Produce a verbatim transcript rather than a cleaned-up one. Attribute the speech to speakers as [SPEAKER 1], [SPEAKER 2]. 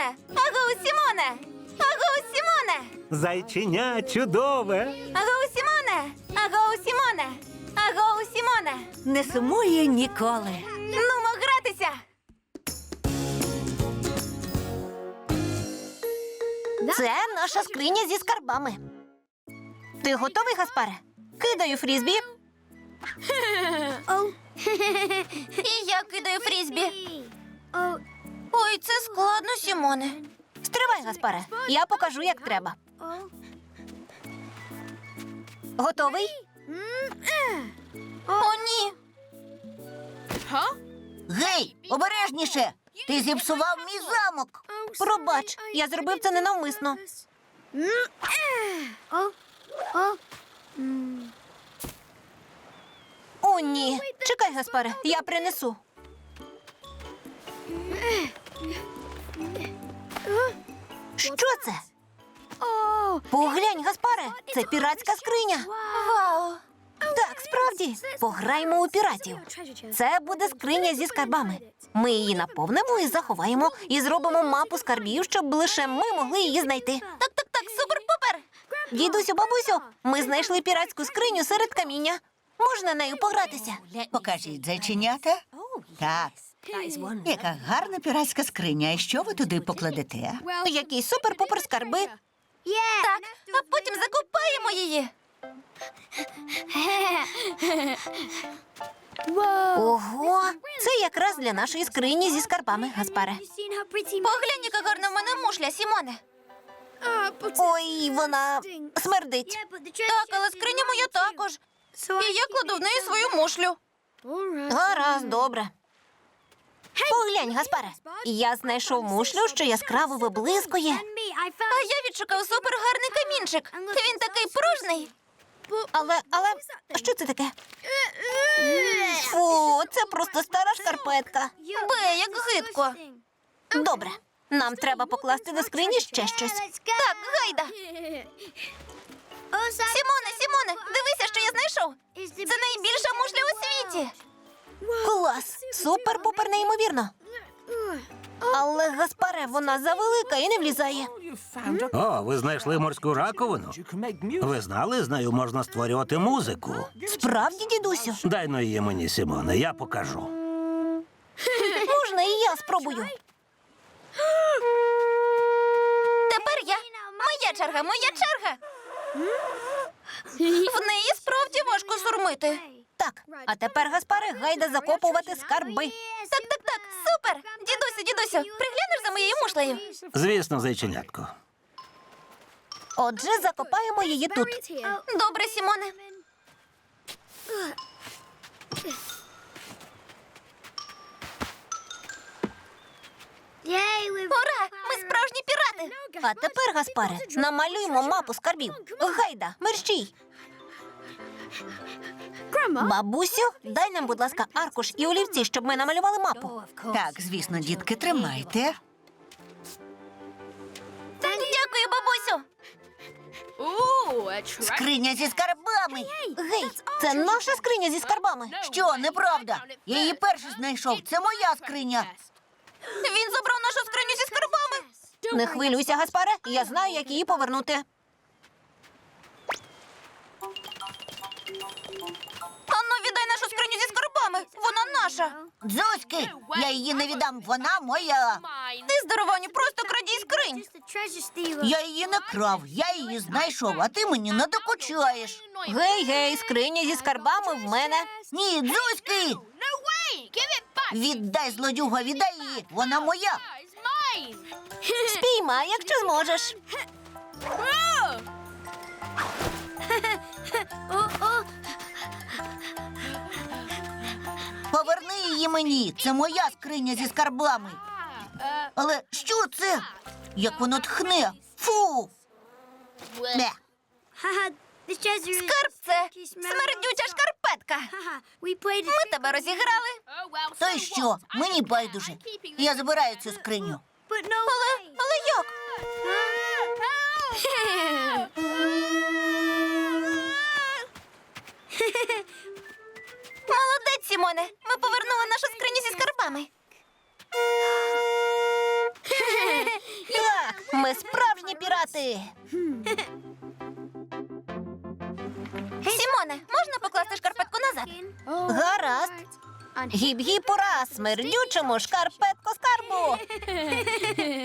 [SPEAKER 1] Сімоне! Агоу, Сімоне! Агоу, Сімоне!
[SPEAKER 2] Зайченя чудове.
[SPEAKER 1] Агоу, Сімоне! Агоу, Сімоне! Агоу, Сімоне!
[SPEAKER 3] Не сумує ніколи.
[SPEAKER 1] Нумо гратися!
[SPEAKER 3] Це наша скриня зі скарбами. Ти готовий, Гаспаре? Кидаю фрізбі.
[SPEAKER 1] І я кидаю фрізбі. Ой, це складно, Сімоне.
[SPEAKER 3] Стривай, Гаспаре. Я покажу, як треба. Готовий?
[SPEAKER 1] О, ні.
[SPEAKER 4] Гей, обережніше! Ти зіпсував мій замок.
[SPEAKER 3] Пробач, я зробив це ненавмисно. О, ні. Чекай, Гаспаре, я принесу. Що це? Поглянь, Гаспаре, це піратська скриня.
[SPEAKER 1] Вау!
[SPEAKER 3] Так, справді. Пограємо у піратів. Це буде скриня зі скарбами. Ми її наповнимо і заховаємо, і зробимо мапу скарбів, щоб лише ми могли її знайти.
[SPEAKER 1] Так, так, так, супер-пупер!
[SPEAKER 3] Дідусю, бабусю, ми знайшли піратську скриню серед каміння. Можна нею погратися?
[SPEAKER 4] Покажіть, зайченята. Так. Яка гарна піратська скриня. І що ви туди покладете?
[SPEAKER 3] Які супер-пупер скарби.
[SPEAKER 1] Так, а потім закопаємо її.
[SPEAKER 3] Ого, це якраз для нашої скрині зі скарбами, Гаспаре.
[SPEAKER 1] Поглянь, яка гарна в мене мушля, Сімоне.
[SPEAKER 3] Ой, вона смердить.
[SPEAKER 1] Так, але скриня моя також. І я кладу в неї свою мушлю.
[SPEAKER 3] Гаразд, добре. Поглянь, Гаспаре, я знайшов мушлю, що яскраво виблискує.
[SPEAKER 1] А я відшукав супергарний камінчик. Він такий пружний.
[SPEAKER 3] Але, але, що це таке? Фу, це просто стара шкарпетка.
[SPEAKER 1] Бе, як гидко.
[SPEAKER 3] Добре, нам треба покласти до скрині ще щось.
[SPEAKER 1] Так, гайда. Сімоне, Сімоне, дивися, що я знайшов. Це найбільша мушля у світі.
[SPEAKER 3] Клас! Супер-пупер неймовірно. Але, Гаспаре, вона завелика і не влізає.
[SPEAKER 2] О, ви знайшли морську раковину? Ви знали, з нею можна створювати музику.
[SPEAKER 3] Справді, дідусю?
[SPEAKER 2] Дай но її мені, Сімоне, я покажу.
[SPEAKER 3] Можна і я спробую.
[SPEAKER 1] Тепер я. Моя черга, моя черга. В неї справді важко сурмити.
[SPEAKER 3] Так, а тепер, Гаспаре, гайда закопувати скарби.
[SPEAKER 1] Так, так, так, супер. Дідусю, дідусю, приглянеш за моєю мушлею?
[SPEAKER 2] Звісно, зайченятко.
[SPEAKER 3] Отже, закопаємо її тут.
[SPEAKER 1] Добре, Сімоне. Ура! Ми справжні пірати!
[SPEAKER 3] А тепер, Гаспаре, намалюємо мапу скарбів. Гайда, мерщій. Бабусю, дай нам, будь ласка, аркуш і олівці, щоб ми намалювали мапу.
[SPEAKER 4] Так, звісно, дітки, тримайте.
[SPEAKER 1] Дякую, бабусю!
[SPEAKER 4] Скриня зі скарбами.
[SPEAKER 3] Гей, це наша скриня зі скарбами.
[SPEAKER 4] Що, неправда? Я її перший знайшов. Це моя скриня.
[SPEAKER 1] Він забрав нашу скриню зі скарбами.
[SPEAKER 3] Не хвилюйся, Гаспаре, я знаю, як її повернути.
[SPEAKER 1] Ану, віддай нашу скриню зі скарбами. Вона наша.
[SPEAKER 4] Дзузьки, я її не віддам, вона моя.
[SPEAKER 1] Ти, здорованю, просто крадій скринь.
[SPEAKER 4] Я її не крав, я її знайшов, а ти мені не докучаєш.
[SPEAKER 3] Гей, гей, скриня зі скарбами в мене.
[SPEAKER 4] Ні, Дзузьки! Віддай, злодюга, віддай її, вона моя.
[SPEAKER 3] Спіймай, якщо зможеш.
[SPEAKER 4] Поверни її мені, це моя скриня зі скарбами. Але що це? Як воно тхне? Фу! Бе.
[SPEAKER 1] Скарб це смердюча шкарпетка. Ми тебе розіграли.
[SPEAKER 4] То й що? Мені байдуже. Я забираю цю скриню.
[SPEAKER 1] Але, але як? Молодець, Сімоне. Ми повернули нашу скриню зі скарбами.
[SPEAKER 3] Ми справжні пірати.
[SPEAKER 1] Сімоне, можна покласти шкарпетку назад?
[SPEAKER 3] Гаразд. Гіп-гіп, ура, смердючому шкарпетку скарбу.